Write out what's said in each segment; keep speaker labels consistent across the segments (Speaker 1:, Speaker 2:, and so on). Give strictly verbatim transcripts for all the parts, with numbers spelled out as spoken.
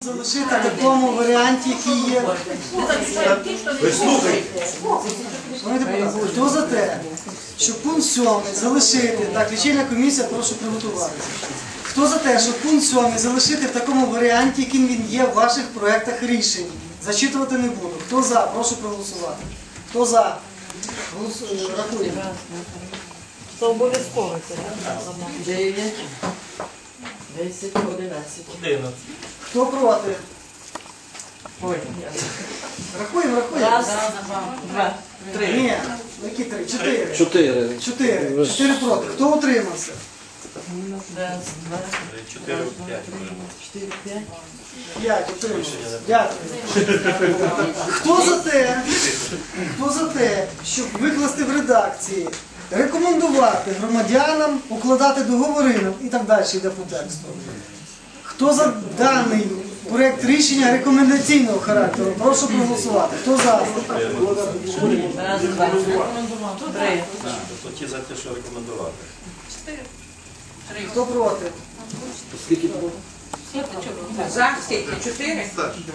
Speaker 1: Залишити в такому варіанті, який є.
Speaker 2: Ви слухайте.
Speaker 1: Хто за те, щоб пункт сьомий залишити, так, лічильна комісія, прошу приготуватися. Хто за те, щоб пункт сьомий залишити в такому варіанті, яким він є в ваших проєктах рішень? Зачитувати не буду. Хто за? Прошу проголосувати. Хто за? Рахуємо.
Speaker 3: Це обов'язково. дев'ять, десять, одинадцять.
Speaker 1: Хто проти?
Speaker 3: Ой.
Speaker 1: Рахуємо, рахуємо.
Speaker 3: Раз, два, три.
Speaker 1: Ні, які три? Чотири.
Speaker 4: Чотири.
Speaker 1: Чотири. Чотири проти. Хто утримався?
Speaker 3: Раз, два,
Speaker 2: Чотири, п'ять.
Speaker 3: чотири, п'ять.
Speaker 1: П'ять утримався. Дякую. Хто за те, хто за те, щоб викласти в редакції, рекомендувати громадянам укладати договори і так далі йде по тексту. Хто за даний проєкт рішення рекомендаційного характеру? Прошу проголосувати. Хто за?
Speaker 3: Раз, два, три.
Speaker 2: То ті за те, що рекомендувати.
Speaker 1: Хто проти?
Speaker 4: Скільки було?
Speaker 5: За скільки? Чотири?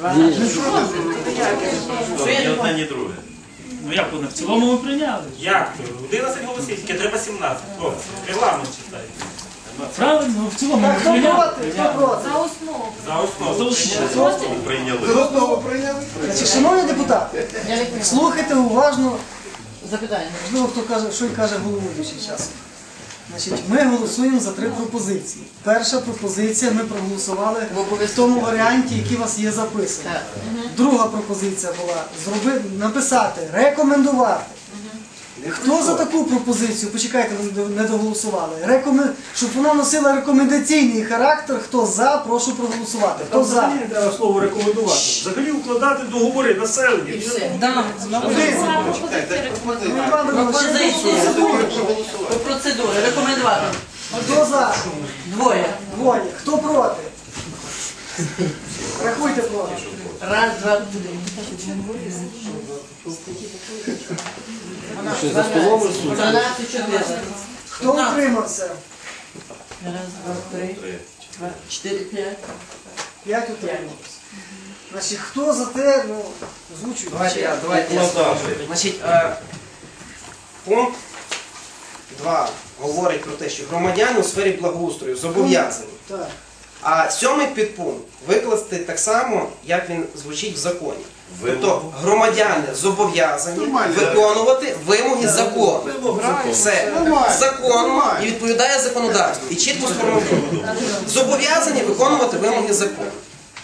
Speaker 2: Ні одне, ні друге.
Speaker 6: Ну як вони? В цілому ми прийняли.
Speaker 7: Як то? одинадцять голосів, тільки треба сімнадцять. Хлопці, регламент читайте.
Speaker 6: Правильно, в цілому
Speaker 1: Так,
Speaker 6: ми
Speaker 1: хто
Speaker 6: прийняли.
Speaker 1: проти? Хто проти?
Speaker 7: За основу.
Speaker 2: Прийняли.
Speaker 1: Значить, шановні депутати, слухайте уважно,
Speaker 3: Запитання.
Speaker 1: можливо, хто каже, що й каже головуючий часом. Значить, ми голосуємо за три пропозиції. Перша пропозиція ми проголосували в тому варіанті, який у вас є записаний.
Speaker 3: Так.
Speaker 1: Друга пропозиція була зробити, написати, рекомендувати. Хто за таку пропозицію, почекайте, ви не доголосували, Рекомен... щоб вона носила рекомендаційний характер, хто за, прошу проголосувати. Хто за?
Speaker 7: Взагалі не треба слово рекомендувати. Взагалі укладати договори населення.
Speaker 3: Пропозиції. По процедурі. Рекомендувати.
Speaker 1: Хто за?
Speaker 3: Двоє.
Speaker 1: Двоє. Хто проти? Рахуйте проти.
Speaker 3: Раз, два, три.
Speaker 4: Що за столом рисують?
Speaker 3: тринадцять, чотирнадцять.
Speaker 1: Хто утримався?
Speaker 3: Раз, два, три. Чотири, п'ять.
Speaker 1: П'ять утримався. Значить, хто за те, ну, озвучуйте.
Speaker 8: Давайте я, давайте я. Значить, е, пункт два говорить про те, що громадяни у сфері благоустрою зобов'язані.
Speaker 1: Так.
Speaker 8: А сьомий підпункт викласти так само, як він звучить в законі. Тобто громадяни зобов'язані виконувати вимоги закону. Все. Закону і відповідає законодавству. І чітко сформульовано. Зобов'язані виконувати вимоги закону.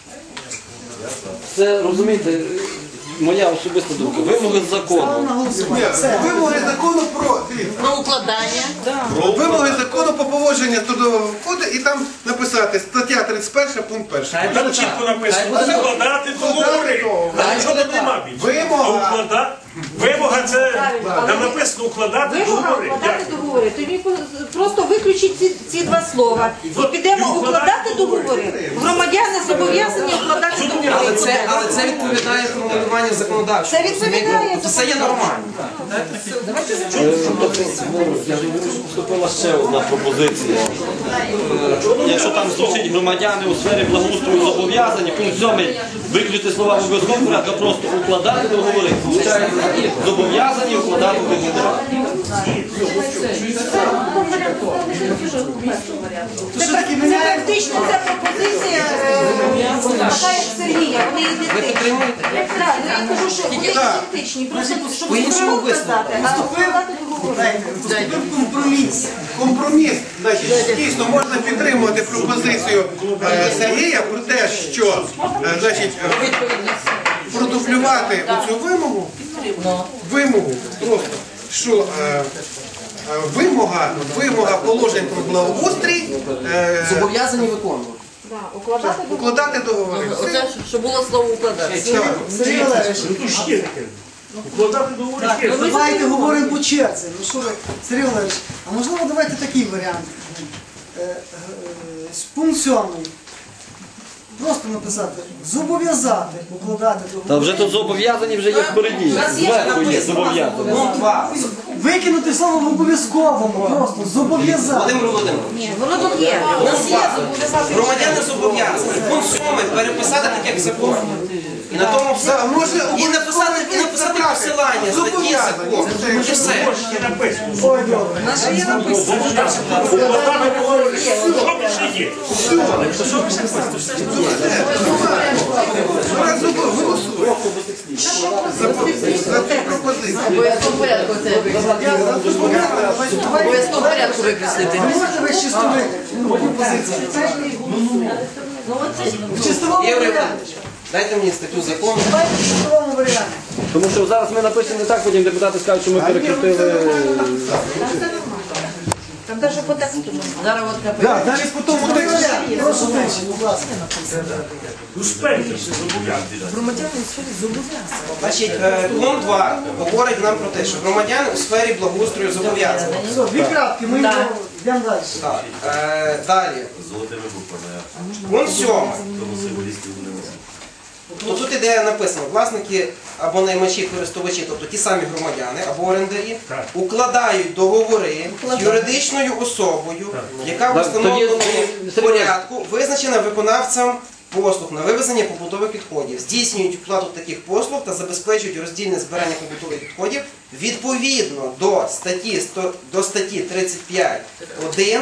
Speaker 4: Це, розумієте, моя особиста думка. Вимоги
Speaker 1: Ставимо
Speaker 4: закону.
Speaker 1: на голосування. Все.
Speaker 9: Вимоги закону про
Speaker 3: Про укладання.
Speaker 9: вимоги закону по поводження трудового коду і там написати стаття тридцять перша, пункт перший.
Speaker 7: Там чітко написано, укладати договори. А нічого там нема більше.
Speaker 9: Вимога.
Speaker 7: А уклада- Вимога це, там написано укладати
Speaker 5: Вимога
Speaker 7: договори.
Speaker 5: укладати
Speaker 7: Дякую.
Speaker 5: договори. Тоді просто виключіть ці, ці два слова. І підемо укладати договори. Громадяни зобов'язані укладати
Speaker 8: Але
Speaker 5: договори.
Speaker 8: це, але це відповідає формулюванню законодавчого.
Speaker 5: Це відповідає.
Speaker 8: Тобто це є нормально.
Speaker 4: Е, тобто, ну, я ж говорю, що поступила ще одна пропозиція. Е, Якщо там звучить громадяни у сфері благоустрою зобов'язані, пункт сьомий виключити слова в обов'язковому порядку, а просто укладати договори. Получається, зобов'язані укладати договори.
Speaker 1: То що таке
Speaker 5: Це
Speaker 1: міняє?
Speaker 5: практично ця пропозиція е, така, як Сергія. Вони ідентичні. Так, ну я кажу, що вони ідентичні. Просто щоб
Speaker 8: По-іншому
Speaker 5: не
Speaker 8: висновок.
Speaker 5: сказати, а укладати договори.
Speaker 1: Дайте, Вступив компроміс.
Speaker 9: Компроміс. Значить, дійсно можна підтримувати пропозицію е, Сергія про те, що е, значить, е, продублювати оцю вимогу, вимогу просто, що е, е, вимога, вимога положень про благоустрій е,
Speaker 8: Зобов'язані виконувати.
Speaker 5: Да, укладати договори.
Speaker 9: укладати договори.
Speaker 3: Оце, щоб було слово укладати.
Speaker 1: Сергій Валерійович,
Speaker 7: Тут ж є таке. Укладати договори
Speaker 1: так,
Speaker 7: є.
Speaker 1: ну, давайте говоримо по черзі. Ну що ви, Сергій Валерійович, а можливо давайте такий варіант. Е, е, Пункт сьомий. Просто написати, зобов'язати укладати
Speaker 4: Та
Speaker 1: договори.
Speaker 4: вже тут зобов'язані вже є впереді. Зверху є зобов'язані.
Speaker 8: Пункт два.
Speaker 1: викинути слово в обов'язковому, просто зобов'язати.
Speaker 8: Володимир Володимирович,
Speaker 5: Ні, воно тут є. У нас є зобов'язати.
Speaker 8: громадяни зобов'язані. Пункт сьомий переписати так, як закон. І на тому все.
Speaker 9: Да, може,
Speaker 8: І написати, і написати посилання, статті закону. І все.
Speaker 7: Не написано.
Speaker 1: Ой, добре.
Speaker 5: Наше є написано.
Speaker 7: Укладати договори. Що більше є?
Speaker 9: Зараз голосуємо за цю пропозицію.
Speaker 3: Обов'язково порядку це викреслити. Обов'язково порядку викреслити.
Speaker 1: Ви можете весь чистовик пропозиції? В чистовому
Speaker 8: Ігор
Speaker 1: варіанті.
Speaker 8: Іванович, дайте мені статтю закону.
Speaker 1: Давайте в чистовому варіанті.
Speaker 4: Тому що зараз ми напишемо не так, потім депутати скажуть, що ми перекрутили.
Speaker 5: Там навіть по тексту.
Speaker 3: Зараз от КП.
Speaker 9: Так, далі по тому тексті.
Speaker 1: Прошу тише, будь ласка.
Speaker 7: Успейте все зобов'язані.
Speaker 3: Громадяни все зобов'язані.
Speaker 8: Значить, е, пункт два говорить нам про те, що громадяни у сфері благоустрою зобов'язані.
Speaker 1: Все, дві крапки, ми йдемо йдемо далі.
Speaker 8: Так, е, далі.
Speaker 2: Золотими буквами.
Speaker 8: Пункт сьомий.
Speaker 2: Тому символістів не носить.
Speaker 8: Ну, тут іде написано, власники або наймачі, користувачі, тобто ті самі громадяни або орендарі,
Speaker 7: Так.
Speaker 8: укладають договори з юридичною особою, яка в
Speaker 4: Так,
Speaker 8: установленому
Speaker 4: тоді-
Speaker 8: порядку визначена виконавцем послуг на вивезення побутових відходів, здійснюють оплату таких послуг та забезпечують роздільне збирання побутових відходів відповідно до статті, сто- до статті тридцять п'ять один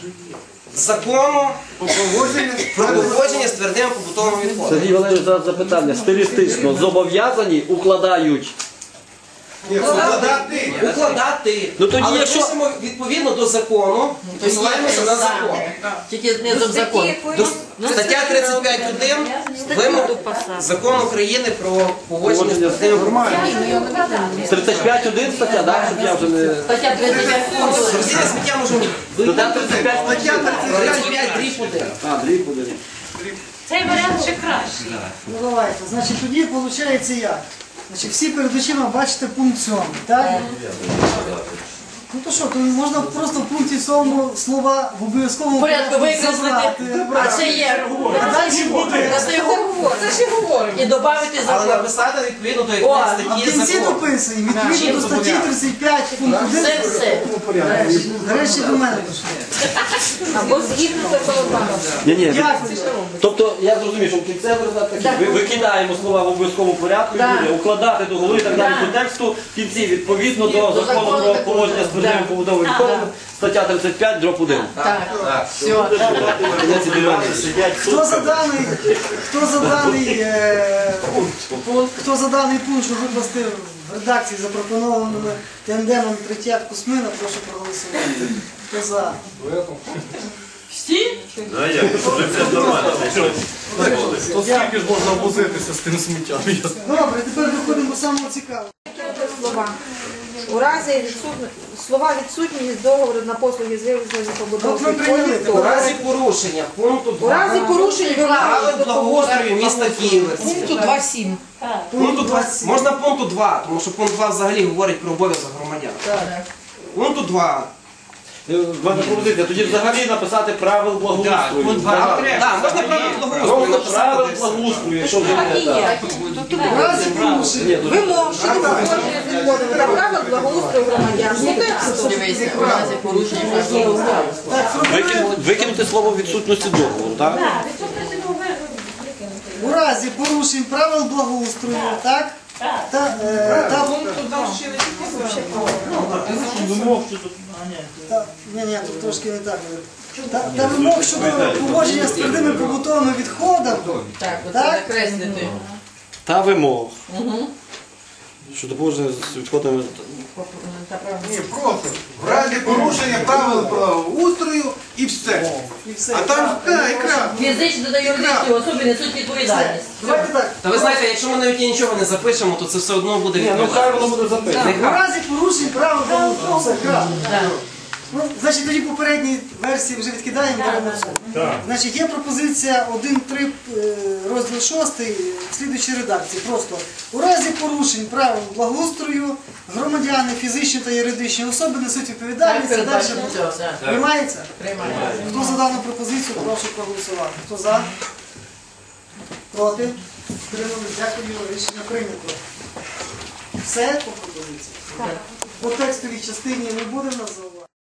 Speaker 8: закону про поводження з твердими побутовими відходами.
Speaker 4: Сергій Валерійович, зараз запитання. Стилістично зобов'язані укладають.
Speaker 9: Ні, укладати.
Speaker 8: Укладати.
Speaker 4: Ну, тоді
Speaker 8: Але
Speaker 4: якщо-
Speaker 8: пишемо відповідно до закону, посилаємося на закон.
Speaker 3: Тільки знизу закон.
Speaker 8: До- Стаття тридцять п'ять один вимог закон України про поводження з твердими побутовими.
Speaker 4: тридцять п'ять один стаття, так? Щоб я вже не...
Speaker 3: Стаття тридцять п'ять.
Speaker 8: Роздільне сміття можемо
Speaker 4: Стаття тридцять п'ять.
Speaker 8: тридцять п'ять дріб один.
Speaker 4: А, дріб буде.
Speaker 10: Цей варіант ще кращий.
Speaker 1: Ну давайте, значить тоді виходить як? Значить, всі перед очима бачите пункт сьомий, так? Ну то що, то можна просто в пункті сьомому слова в обов'язковому
Speaker 3: Порядку викреслити.
Speaker 1: забрати.
Speaker 3: А це є.
Speaker 1: А далі буде.
Speaker 3: Це ж його говорить. Це ж його говорить. І додати
Speaker 8: Але
Speaker 3: закон.
Speaker 8: написати відповідно до
Speaker 3: О,
Speaker 8: якої
Speaker 1: А в
Speaker 8: статті
Speaker 1: кінці
Speaker 8: закону.
Speaker 1: дописуємо, відповідно до статті тридцять п'ять пункт один.
Speaker 3: Це все.
Speaker 1: Нарешті до мене пішли.
Speaker 5: Або згідно законодавства.
Speaker 4: Ні, ні.
Speaker 1: Дякую.
Speaker 4: Тобто, я зрозумів, що в кінцевий результат такий. Ви- Викидаємо слова в обов'язковому порядку і буде укладати договори і так далі по тексту. В кінці відповідно до закону про поводження з твердими побутовими відходами. Стаття тридцять п'ять дроб один.
Speaker 3: Так. Все.
Speaker 4: Кінець ідеальний.
Speaker 1: Хто за даний, хто за даний е, пункт, хто за даний пункт, що викласти в редакції запропонованими тендемом Третьяк Кусмина, прошу проголосувати. Хто за?
Speaker 10: Всі?
Speaker 2: Ну, а як? Вже все нормально.
Speaker 9: То скільки ж можна возитися з тим сміттям?
Speaker 1: Добре, тепер виходимо до самого цікавого.
Speaker 5: Слова. У разі відсутні, слова відсутні з договору на послуги з вивезення
Speaker 1: От
Speaker 5: побутових
Speaker 1: ми прийняли.
Speaker 5: відходів.
Speaker 8: У разі порушення пункту
Speaker 5: У разі
Speaker 8: два
Speaker 5: порушень
Speaker 8: правил
Speaker 5: вимоги
Speaker 8: благоустрою міста Києва.
Speaker 3: Пункту два сім.
Speaker 8: Пункту два, можна пункту два, тому що пункт два взагалі говорить про обов'язок громадян. Пункту два.
Speaker 4: В мене пропозиція. Тоді взагалі написати правил благоустрою.
Speaker 8: Пункт два. Так, можна правил благоустрою
Speaker 4: Просто правил
Speaker 8: написати.
Speaker 4: благоустрою, якщо вже не так.
Speaker 1: В разі порушення.
Speaker 5: вимог щодо поводження з відходами та правил благоустрою громадян. Ну, тексту.
Speaker 3: Дивися, у разі порушення правил.
Speaker 4: Викинути, викинути слово відсутності договору, так?
Speaker 10: Так, відсутності договору.
Speaker 1: У разі порушень правил благоустрою, так?
Speaker 10: Так.
Speaker 1: Та, е, та,
Speaker 6: Вимог щодо... А, ні.
Speaker 1: та, ні, ні, тут трошки не так. Та, та вимог щодо поводження з твердими побутовими відходами.
Speaker 3: Так, оце
Speaker 1: Так?
Speaker 3: накреслити.
Speaker 4: Та вимог. Щодо поводження з відходами.
Speaker 9: Ні, просто в разі порушення правил правоустрою і все.
Speaker 1: І все.
Speaker 9: А там так, екран.
Speaker 3: Фізичні та юридичні особи несуть відповідальність.
Speaker 1: Давайте так.
Speaker 8: Та ви знаєте, якщо ми навіть і нічого не запишемо, то це все одно буде
Speaker 4: Ні, ну
Speaker 8: відповідально.
Speaker 4: хай воно буде записано.
Speaker 1: У разі порушень правил благоустрою, все, крапка.
Speaker 3: Так.
Speaker 1: Ну, значить, тоді попередні версії вже відкидаємо, беремо все.
Speaker 7: Так.
Speaker 1: Значить, є пропозиція один три е, розділ шостий в слідуючій редакції. Просто у разі порушень правил благоустрою громадяни, фізичні та юридичні особи несуть
Speaker 3: Так,
Speaker 1: відповідальність. Далі
Speaker 3: передбачено все. так.
Speaker 1: приймається?
Speaker 3: Приймаємо.
Speaker 1: Хто за дану пропозицію, прошу проголосувати. Хто за? Проти? Утримались? Дякую, рішення прийнято. Все по пропозиції? по текстовій частині не буде в нас зауважень?